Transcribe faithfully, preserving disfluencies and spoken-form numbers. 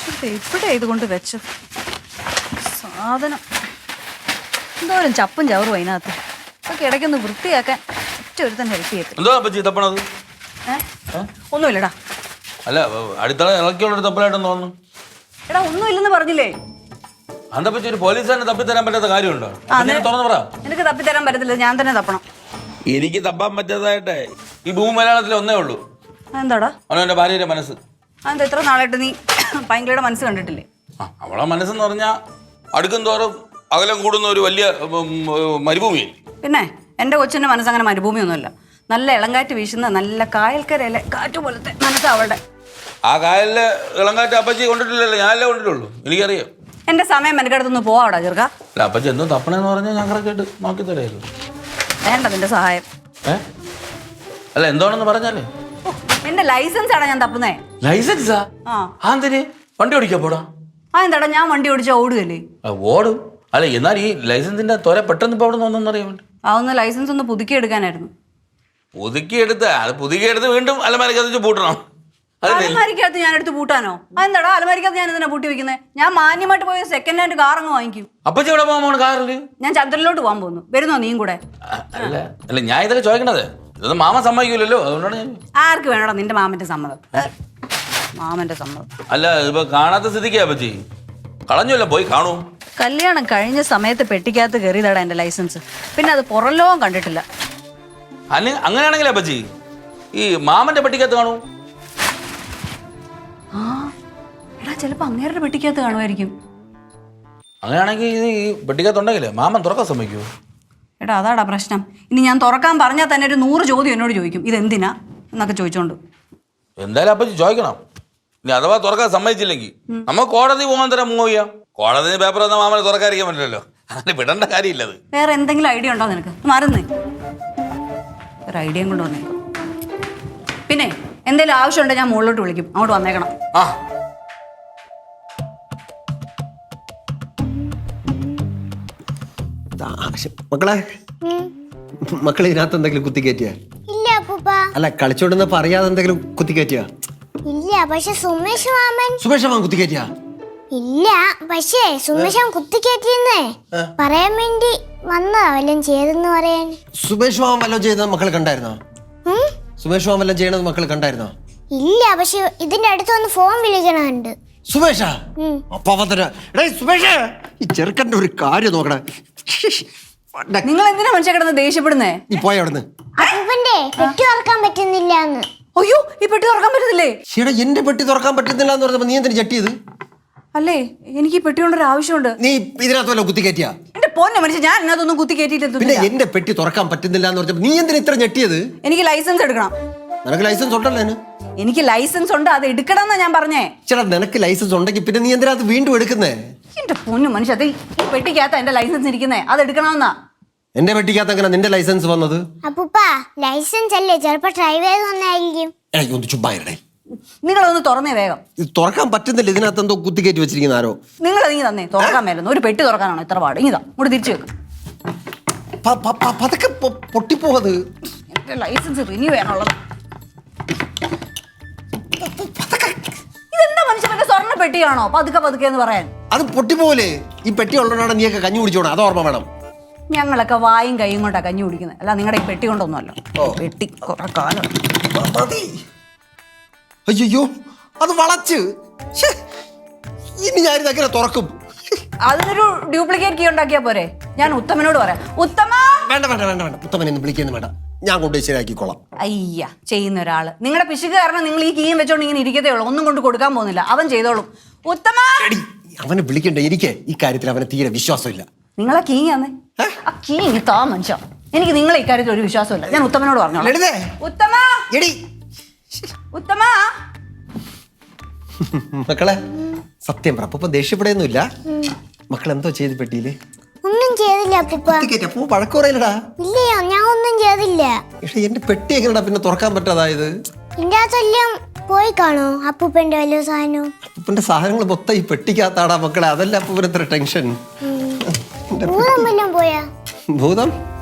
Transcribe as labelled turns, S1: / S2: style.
S1: എവിടെ ഇതുകൊണ്ട് വെച്ചത് സാധനം എന്തോരം ചപ്പും ചവറും അതിനകത്ത് അതൊക്കെ ഇടയ്ക്കൊന്ന് വൃത്തിയാക്കാൻ ഒറ്റ ഒരുത്തൻ ഹെൽപ്പ് ചെയ്യത്തില്ല.
S2: എന്തോ പറ്റി തപ്പണത്?
S1: ഒന്നുമില്ലടാ.
S2: അല്ല അടിത്തള ഇളക്കിയുള്ളൊരു തപ്പലായിട്ടെന്ന് തോന്നുന്നു.
S1: എടാ ഒന്നുമില്ലെന്ന് പറഞ്ഞില്ലേ?
S2: അന്താ പറ്റി ഒരു പോലീസുകാരന് തപ്പിത്തരാൻ പറ്റാത്ത കാര്യമുണ്ടോ? തുറന്നു പറ.
S1: എനിക്ക് തപ്പിത്തരാൻ പറ്റത്തില്ല, ഞാൻ തന്നെ തപ്പണം.
S2: എനിക്ക് തപ്പാൻ പറ്റാതായിട്ടേ ഈ ഭൂമി മലയാളത്തിൽ ഒന്നേ ഉള്ളൂ.
S1: എന്താടാ?
S2: അവനെന്റെ ഭാര്യയുടെ മനസ്സ്.
S1: അതെന്താ ഇത്ര നാളായിട്ട് നീ പൈങ്കിളിയുടെ മനസ്സ് കണ്ടിട്ടില്ലേ?
S2: ആ അവളെ മനസ്സെന്ന് പറഞ്ഞാൽ അടുക്കും തോറും അകലം കൂടുന്ന ഒരു വലിയ മരുഭൂമി.
S1: പിന്നെ എൻ്റെ കൊച്ചിൻ്റെ മനസ്സങ്ങനെ മരുഭൂമിയൊന്നുമല്ല. നല്ല ഇളങ്കാറ്റ് വീശുന്ന നല്ല കായൽക്കരയിലെ കാറ്റ് പോലത്തെ മനസ്സാ അവളുടെ.
S2: ആ കായലിലെ ഇളങ്കാറ്റ് അപ്പച്ചി കൊണ്ടിട്ടില്ലല്ലോ, ഞാനല്ലേ കൊണ്ടിട്ടുള്ളൂ. എനിക്കറിയാം.
S1: എൻ്റെ സമയം എനിക്കടുത്തൊന്ന് പോവാടാ ചെറുക്ക.
S2: അല്ല അപ്പച്ചി എന്തോ തപ്പണെന്ന് പറഞ്ഞാൽ ഞാൻ കറക്റ്റായിട്ട് നോക്കി തരായിരുന്നു.
S1: വേണ്ട നിന്റെ സഹായം.
S2: ഏ അല്ല എന്താണെന്ന് പറഞ്ഞാലേ.
S1: എന്റെ ലൈസൻസ് ആടാ ഞാൻ തപ്പുന്നേ.
S2: ലൈസൻസാ? ആ എന്തിന്? വണ്ടി ഓടിക്കാൻ പോടാ.
S1: ആ എന്താടാ ഞാൻ വണ്ടി ഓടിച്ചാൽ ഓടുകയല്ലേ?
S2: ഓടും. അല്ല എന്നാൽ ഈ ലൈസൻസിന്റെ തൊര പെട്ടെന്ന് ഇപ്പൊ അവിടെ നിന്ന് അറിയാൻ വേണ്ടി
S1: ആ ഒന്ന് ലൈസൻസ് ഒന്ന് പുതുക്കി എടുക്കാനായിരുന്നു.
S2: പുതുക്കിയെടുത്ത് അത് പുതുക്കിയെടുത്ത് വീണ്ടും അലമാരക്കകത്ത് പൂട്ടണം.
S1: അലമാരിക്കകത്ത് ഞാൻ എടുത്ത് പൂട്ടാനോ? അതെന്താടാ അലമാരിക്കകത്ത് ഞാൻ എന്തിനാ പൂട്ടി വെക്കുന്നത്? ഞാൻ മാന്യമായിട്ട് പോയി സെക്കൻഡ് ഹാൻഡ് കാർ അങ്ങ് വാങ്ങിക്കും.
S2: അപ്പച്ചി എവിടെ പോകാൻ പോണ കാറില്?
S1: ഞാൻ ചന്ദ്രനിലോട്ട് പോകാൻ പോകുന്നു. വരുന്നോ നീയും കൂടെ?
S2: അല്ല അല്ല ഞാൻ ഇതൊക്കെ ചോദിക്കണത് ഇതൊന്നും മാമ സമ്മതിക്കൂലല്ലോ, അതുകൊണ്ടാണ് ഞാൻ.
S1: ആർക്ക് വേണോടാ നിന്റെ മാമന്റെ സമ്മതം? മാമന്റെ സമ്മതം.
S2: അല്ല ഇപ്പൊ കാണാത്ത സ്ഥിതിക്കാ അപ്പച്ചി കളഞ്ഞല്ലോ, പോയി കാണൂ.
S1: കല്യാണം കഴിഞ്ഞ സമയത്ത് പെട്ടിക്കകത്ത് കയറിയതാടാ എന്റെ ലൈസൻസ്. പിന്നെ അത് പുറലോകം കണ്ടിട്ടില്ല.
S2: അല്ല അങ്ങനെയാണെങ്കിലേ അപ്പച്ചി ഈ മാമന്റെ പെട്ടിക്കകത്ത് കാണൂ.
S1: ആ എടാ ചിലപ്പോ അങ്ങേരുടെ പെട്ടിക്കകത്ത് കാണുമായിരിക്കും.
S2: അങ്ങനെയാണെങ്കിൽ ഇത് ഈ പെട്ടിക്കകത്തുണ്ടെങ്കിലേ മാമൻ തുറക്കാൻ സമ്മതിക്കുമോ?
S1: എടാ അതാടാ പ്രശ്നം. ഇനി ഞാൻ തുറക്കാൻ പറഞ്ഞാൽ തന്നെ ഒരു നൂറ് ചോദ്യം എന്നോട് ചോദിക്കും, ഇതെന്തിനാ എന്നൊക്കെ ചോദിച്ചോണ്ട്.
S2: എന്തായാലും അപ്പച്ചി ചോദിക്കണം. ഇനി അഥവാ തുറക്കാൻ സമ്മതിച്ചില്ലെങ്കിൽ നമ്മൾ കോടതി പോകാൻ തരാൻ മൂവ് ചെയ്യാം. കോടതി പേപ്പർ തന്ന മാമനെ തുറക്കാതിരിക്കാൻ പറ്റില്ലല്ലോ, അങ്ങനെ വിടേണ്ട കാര്യമില്ലത്.
S1: വേറെ എന്തെങ്കിലും ഐഡിയ ഉണ്ടോ നിനക്ക്? മറന്നേ ഒരു ഐഡിയയും കൊണ്ട് വന്നേക്കും. പിന്നെ എന്തെങ്കിലും ആവശ്യമുണ്ടെങ്കിൽ ഞാൻ മുകളിലോട്ട് വിളിക്കും, അങ്ങോട്ട് വന്നേക്കണം.
S2: ആ
S3: മക്കളെ മക്കളെ ഇതിനകത്ത് എന്തെങ്കിലും കുത്തിക്കയറ്റിയ?
S4: ഇല്ല അപ്പൂപ്പ.
S3: അല്ല കളിച്ചോണ്ടെന്ന് അറിയാതെ എന്തെങ്കിലും കുത്തിക്കയറ്റിയ?
S4: ഇല്ല പക്ഷെ സുമേഷ് മാമൻ.
S3: സുമേഷ് മാമൻ കുത്തിക്കയറ്റിയ?
S4: ഇല്ല പക്ഷേ സുമേഷ് മാമൻ കുത്തിക്കയറ്റിയെന്നേ പറയാൻ വേണ്ടി വന്നതാ, വല്ലതും ചെയ്തെന്ന് പറയാൻ.
S3: സുമേഷ് മാമൻ വല്ലതും ചെയ്തത് മക്കൾ കണ്ടായിരുന്നോ? സുമേഷ് മാമൻ വല്ലതും ചെയ്യണത് മക്കൾ കണ്ടായിരുന്നോ?
S4: ഇല്ല പക്ഷെ ഇതിന്റെ അടുത്ത് വന്ന് ഫോൺ വിളിക്കണുണ്ട്.
S3: സുമേഷാ? സുമേഷ് ഈ ചെറുക്കന്റെ ഒരു കാര്യം നോക്കണേ.
S1: നിങ്ങൾ എന്തിനാ മനുഷ്യ കിടന്ന് ദേഷ്യപ്പെടുന്നേ?
S3: നീ പോയ അവിടുന്ന്.
S4: അപ്പൂപ്പന്റെ പെട്ടി തുറക്കാൻ പറ്റുന്നില്ല എന്ന്.
S1: അയ്യോ ഈ പെട്ടി തുറക്കാൻ പറ്റുന്നില്ലേ?
S3: ചേട്ടാ എന്റെ പെട്ടി തുറക്കാൻ പറ്റുന്നില്ല എന്ന് പറഞ്ഞപ്പോ നീ എന്തിനു ചട്ടിയത്?
S1: അല്ലേ എനിക്ക് ഈ പെട്ടി കൊണ്ടൊരു ആവശ്യമുണ്ട്.
S3: നീ ഇതിനകത്ത് വല്ല കുത്തിക്കയറ്റിയ?
S1: എന്റെ പൊന്നെ മനുഷ്യ ഞാൻ ഇതിനകത്തൊന്നും കുത്തി
S3: പിന്നെ
S1: കയറ്റിയിട്ടില്ല.
S3: എന്റെ പെട്ടി തുറക്കാൻ പറ്റുന്നില്ല എന്ന് പറഞ്ഞപ്പോ നീ എന്തിനാ ഇത്ര ഞെട്ടിയത്?
S1: എനിക്ക് ലൈസൻസ് എടുക്കണം.
S3: നിനക്ക് ലൈസൻസ് ഉണ്ടല്ലോ?
S1: എനിക്ക് ലൈസൻസ് ഉണ്ട്, അത് എടുക്കണം എന്നാ ഞാൻ പറഞ്ഞേ.
S3: ചേട്ടാ നിനക്ക് ലൈസൻസ് ഉണ്ടെങ്കിൽ പിന്നെ നീ എന്തിനകത്ത് വീണ്ടും എടുക്കുന്നേ?
S1: എന്റെ പൊന്നു മനുഷ്യ അത് ഈ പെട്ടിക്കകത്താ എന്റെ ലൈസൻസ് ഇരിക്കുന്നേ, അത് എടുക്കണമെന്നാ.
S3: എന്റെ പെട്ടിക്കകത്ത് എങ്ങനെ നിന്റെ ലൈസൻസ് വന്നത്?
S4: അപ്പൂപ്പ ലൈസൻസ് അല്ലേ, ചിലപ്പോ ഡ്രൈവ് ചെയ്ത് വന്നായിരിക്കും.
S3: ഒന്ന് ചുമ്മായിരടേ.
S1: നിങ്ങളൊന്ന് തുറന്നേ വേഗം.
S3: ഇത് തുറക്കാൻ പറ്റുന്നില്ല, ഇതിനകത്ത് എന്തോ കുത്തിക്കയറ്റി വെച്ചിരിക്കുന്ന ആരോ.
S1: നിങ്ങൾ അതിങ്ങി തന്നെ തുറക്കാൻ മേലുന്നു. ഒരു പെട്ടി തുറക്കാനാണോ ഇത്ര പാട്? ഇതാ ഇവിടെ തിരിച്ചു വെക്കും.
S3: പതൊക്കെ പൊട്ടിപ്പോവത്.
S1: എന്റെ ലൈസൻസ് റിന്യൂ ചെയ്യാനുള്ളത്. ഇതെന്താ മനുഷ്യന്റെ സ്വർണ്ണ പെട്ടിയാണോ പതുക്കെ പതുക്കെ എന്ന് പറയാൻ?
S3: അത് പൊട്ടിപ്പോലെ. ഈ പെട്ടി ഉള്ളതാണ് നീയൊക്കെ കഞ്ഞി കുടിച്ചോണം, അത് ഓർമ്മ വേണം.
S1: ഞങ്ങളൊക്കെ വായും കൈയും കൊണ്ടാ കഞ്ഞി കുടിക്കുന്നത്, അല്ല നിങ്ങളുടെ ഈ പെട്ടി കൊണ്ടൊന്നുമല്ല. പെട്ടി കുറെ കാലം.
S3: അയ്യോ അത് വളച്ച്. ഇനി ഞാനിതെങ്ങനെ തുറക്കും?
S1: അതിനൊരു ഡ്യൂപ്ലിക്കേറ്റ് കീ ഉണ്ടാക്കിയാ പോരെ? ഞാൻ ഉത്തമനോട് പറയാം. ഉത്തമ
S3: വേണ്ട വേണ്ട വേണ്ട വേണ്ട ഉത്തമനെ വിളിക്കുന്നു വേണ്ട, ഞാൻ കൊണ്ടുപോയി ശരിയാക്കിക്കോളാം.
S1: അയ്യ ചെയ്യുന്ന ഒരാള് നിങ്ങളുടെ പിശുക്ക് കാരണം നിങ്ങൾ ഈ കീയും വെച്ചോണ്ട് ഇങ്ങനെ ഇരിക്കത്തേ ഉള്ളൂ, ഒന്നും കൊണ്ട് കൊടുക്കാൻ പോകുന്നില്ല. അവൻ ചെയ്തോളും. ഉത്തമ
S3: അവനെ വിളിക്കണ്ട, എനിക്ക് ഈ കാര്യത്തിൽ അവനെ തീരെ വിശ്വാസമില്ല.
S1: നിങ്ങളെ കീ ആന്നേ, ആ കീ ഇനി താ മനുഷ്യ. എനിക്ക് നിങ്ങളെ ഇക്കാര്യത്തിൽ ഒരു വിശ്വാസമില്ല. ഞാൻ ഉത്തമനോട് പറഞ്ഞു. ഉത്തമ ഉത്തമ
S3: മക്കളെ സത്യം പറ, അപ്പൊ ദേഷ്യപ്പെടുന്നില്ല. മക്കൾ എന്തോ ചെയ്ത് പെട്ടിയില്?
S4: ഒന്നും ചെയ്തില്ല അപ്പൂപ്പ.
S3: അപ്പൊ വഴക്കുറയില്ലടാ.
S4: ഇല്ലയോ ഞാൻ ഒന്നും ചെയ്തില്ല.
S3: പക്ഷെ എന്റെ പെട്ടി എങ്ങനെടാ പിന്നെ തുറക്കാൻ പറ്റാതായത്?
S4: ഇതിന്റെ അകത്തെല്ലാം പോയി കാണോ അപ്പൂപ്പന്റെ വലിയ സാധനം?
S3: അപ്പൂപ്പന്റെ സാധനങ്ങൾ മൊത്തം ഈ പെട്ടിക്കകത്താടാ മക്കളെ, അതല്ല അപ്പൂപ്പന് ഇത്ര ടെൻഷൻ.
S4: ഭൂതം വല്ലതും പോയാ?
S3: ഭൂതം